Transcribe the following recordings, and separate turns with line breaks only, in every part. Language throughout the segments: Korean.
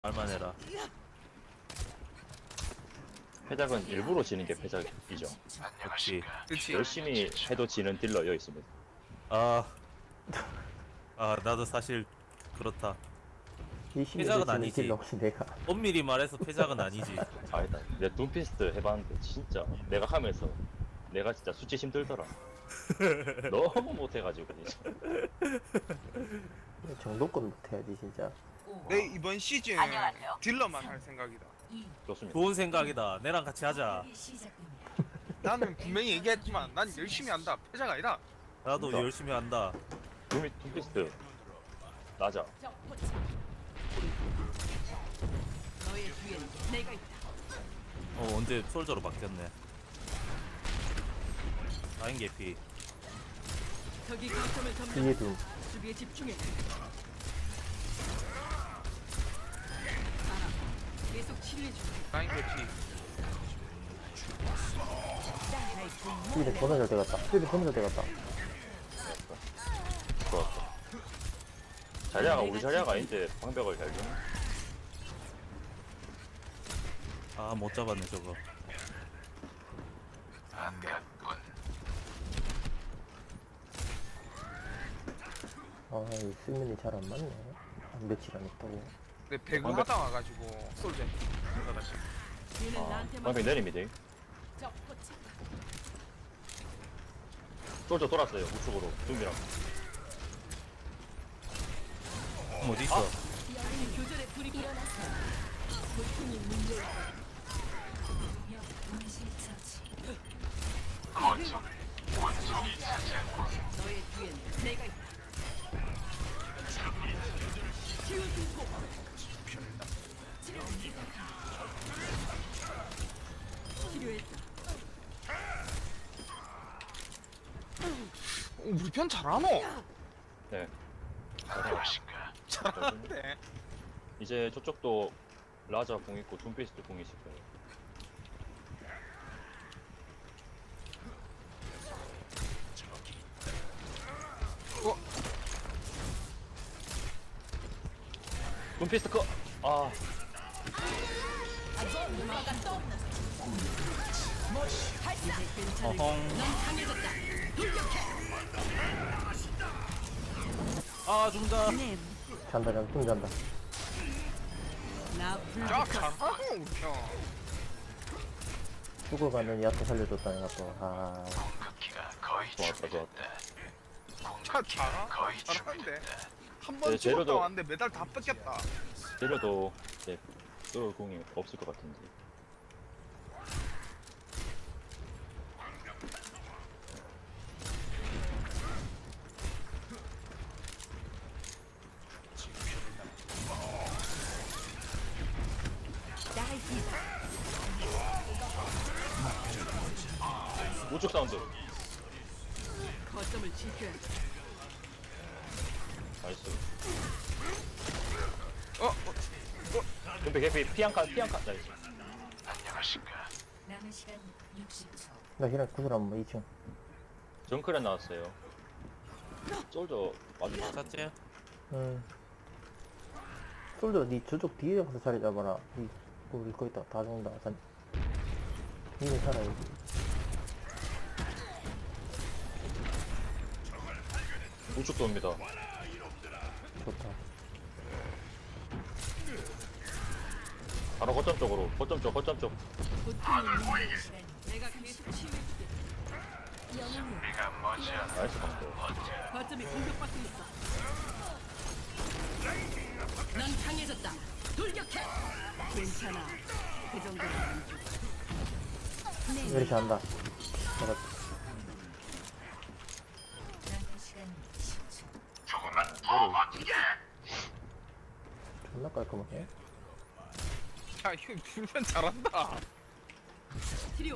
말만 해라.
패작은 일부러 지는 게 패작이죠.
그렇지.
그치.
열심히 해도 지는 딜러 여 있습니다.
아, 나도 사실 그렇다.
열심히
회작은
해주는
아니지.
딜러 혹시 내가
엄밀히 말해서 패작은 아니지.
아니다. 내 둠피스트 해봤는데 진짜 내가 하면서 내가 진짜 수치 힘들더라. 너무 못해가지고 진짜.
정도껏 못해야지 진짜.
내 이번 시즌 딜러만 할 생각이다.
좋습니다.
좋은 생각이다. 내랑 같이 하자.
나는 분명히 얘기했지만 난 열심히 한다. 패작 아니다.
나도
그러니까.
열심히 한다.
둠피스트 나자.
너의 뒤엔 내가 있다.
언제 솔저로 바뀌었네. 라인 개피.
저기 거점을 점령.
뒤에도
수비에 집중해. 계속 치료해 줘.
라인 배치.
뒤에 존나 잘 돼갔다. 뒤에 존나 잘 돼갔다.
좋았어. 자리아가 우리 자리아가 이제 방벽을 잘 주네.
아, 못 잡았네 저거.
이 수면이 잘 안 맞네. 며칠 안 했다고.
내 배구
방금-
하다 와가지고 솔전.
얘는 나한테만
방벽 내립니다.
적 포착.
솔저 돌았어요. 우측으로 둠이랑.
어디 있어?
교전에 불이 고통이 문제. 너의 뒤엔 내가 있다. 치유 증폭. 치료했다.
우리 편 잘하노?
네.
잘하는데.
이제 저쪽도 라자 공 있고 둠피스트 공 있을 거예요.
어?
둠피스트 컷! 아,
어헝.
넌 강해졌다.
아, 죽는다.
잔다 좀 잔다.
나
야
불붙어.
잘하노 우리 편.
죽어가는 야채 살려줬다 내가 또.
좋았다, 좋았다.
잘하는데. 한번
네,
죽었다
재료도-
왔는데 메달 다 뺏겼다.
때려도 이제 또 공이 없을 것 같은데. 우측 사운드.
거점을 지켜야 돼.
나이스.
어?
근데 개피 피한칸 나이스.
남은 시간 60초.
나 그냥 구슬 한번 2층.
정크랜 나왔어요. 솔저 맞은
샀지?
솔더 니 저쪽 뒤에 가서 자리 잡아라. 우리 거의 다 죽는다. 니는 살아야지.
우측도 옵니다.
좋다.
바로 거점 쪽으로. 거점 쪽.
고통이 문제. 내가 계속 치유해줄게.
나이스 방금.
거점이 공격받고 있어. 넌 강해졌다. 돌격해. 괜찮아. 그 정도는 안 줘.
왜 이렇게 한다. 내가
남은 시간 10초.
존나 깔끔하게.
야 이거 불편 잘한다.
치료.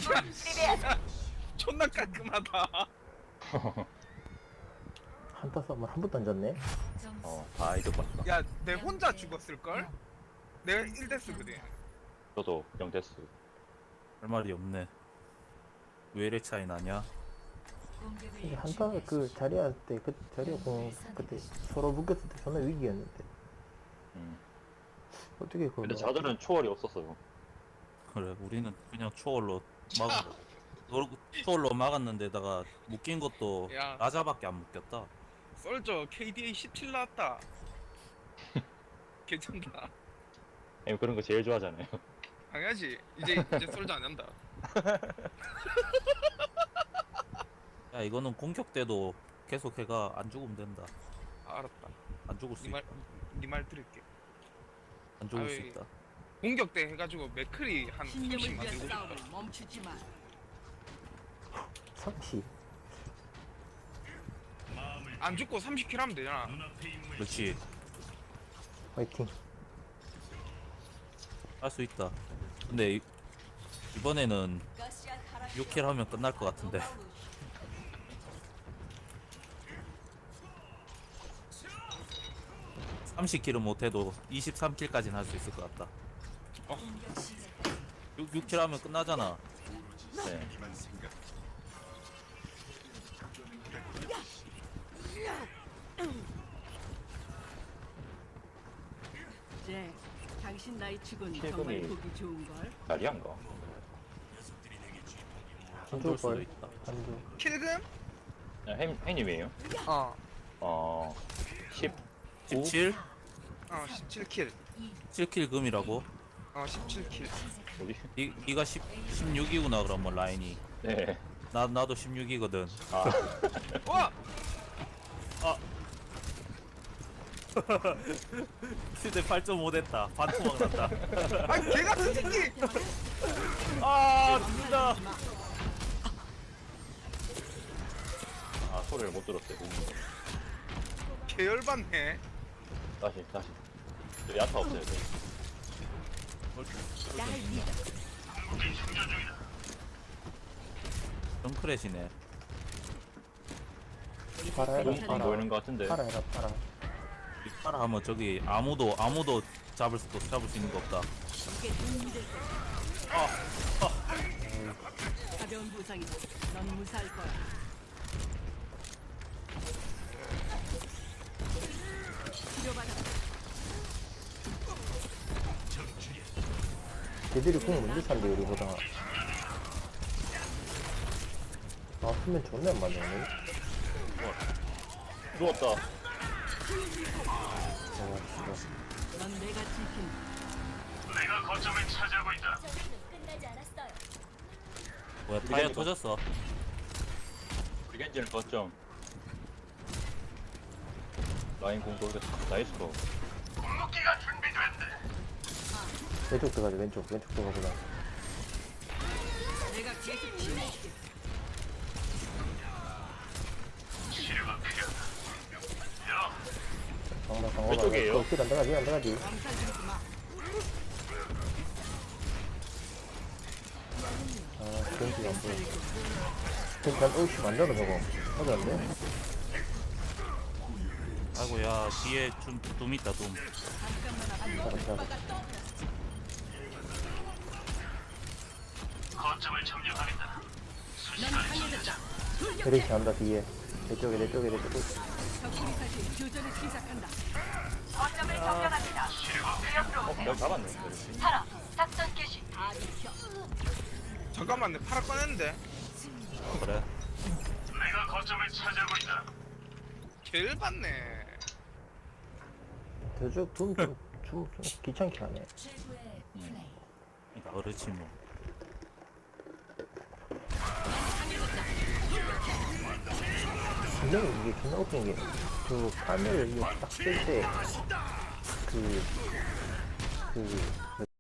존나 깔끔하다.
한타 싸움을 한 번도 안 졌네.
점수
다 이득 봤다.
야 내 혼자 죽었을걸? 내가 1대스거든.
저도 0데스.
할 말이 없네. 왜 이래 차이 나냐?
공격을
이게 한타 그 자리야 때 자리야 그때 서로 묶였을 때 존나 위기였는데.
음.
어떻게 그걸
근데
막아?
자들은 초월이 없었어요.
그래 우리는 그냥 초월로 초월로 막았는데다가 묶인 것도
야.
라자밖에 안 묶였다.
썰저 KDA 17 나왔다. 괜찮다.
형님 그런 거 제일 좋아하잖아요.
당연하지. 이제 썰저 안 한다.
야 이거는 공격 때도 계속 해가 안 죽으면 된다.
알았다.
안 죽을 수 있다.
네말 들을게.
안 죽을 수
아이,
있다.
공격 때 해가지고 맥크리 한 30
신념을 위한
만들고 싶다.
싸움을 멈추지 마.
30.
안 죽고 30킬 하면 되잖아.
그렇지.
화이팅.
할 수 있다. 근데 이번에는 6킬 하면 끝날 것 같은데. 30킬은 못해도 23킬까지는 할 수 있을 것 같다. 6킬 하면 끝나잖아.
네.
제 당신 나이 치곤
최근에-
정말 보기 좋은 걸.
자리한가?
안
안
좋을
죽을
수도
걸.
있다.
안 죽.
킬금?
형님이에요?
어.
10.
17?
17킬.
7킬 금이라고?
17킬.
어디?
니가 16이구나 그러면 라인이.
네.
나도 16이거든.
아,
와!
시대 8.5 됐다. 반토막 났다.
아니 개같은 새끼!
아 진짜.
아 소리를 못 들었어요.
개열받네.
다시. 저 야타 없어요. 저.
정크렛이네.
팔아 해라.
안
팔아.
보이는 것 같은데.
팔아 해라. 팔아.
따라 하면 저기 아무도 잡을 수 있는 거 없다.
쉽게 도움이 될 거야. 가벼운 부상이다. 넌 무사할 거야. 치료받아.
걔들이 공 먼저 찬대 우리보다. 아 수면 존나 안 맞네 오늘.
누웠다.
아 진짜.
넌 내가 지킨다.
뭐야 타이어 터졌어.
브리겐지는 거점. 라인 공 돌겠어. 나이스 거.
왼쪽 들어가자 왼쪽 들어가보자.
내가 계속 치료해줄게.
방방
왼쪽이에요?
안 들어가지.
엄살 부리지 마.
아 벤치가 안 보여. 벤치 한 어이씨 만들어 저거. 하지 않네.
아이고 야 뒤에 둠 있다 둠.
잠깐만 앞으로.
잡아.
넌 강해졌다.
베리시 한다 뒤에. 내 쪽에.
적군이 다시 교전을 시작한다.
내가 잡았네.
다 비켜.
잠깐만 내 팔아 꺼냈는데.
그래.
개열받네.
저쪽 좀 귀찮게 하네.
최고의 플레이.
그러니까 그렇지 뭐.
분명히 이게 존나 웃긴 게, 그 카메라를 이거 딱 쓸 때, 그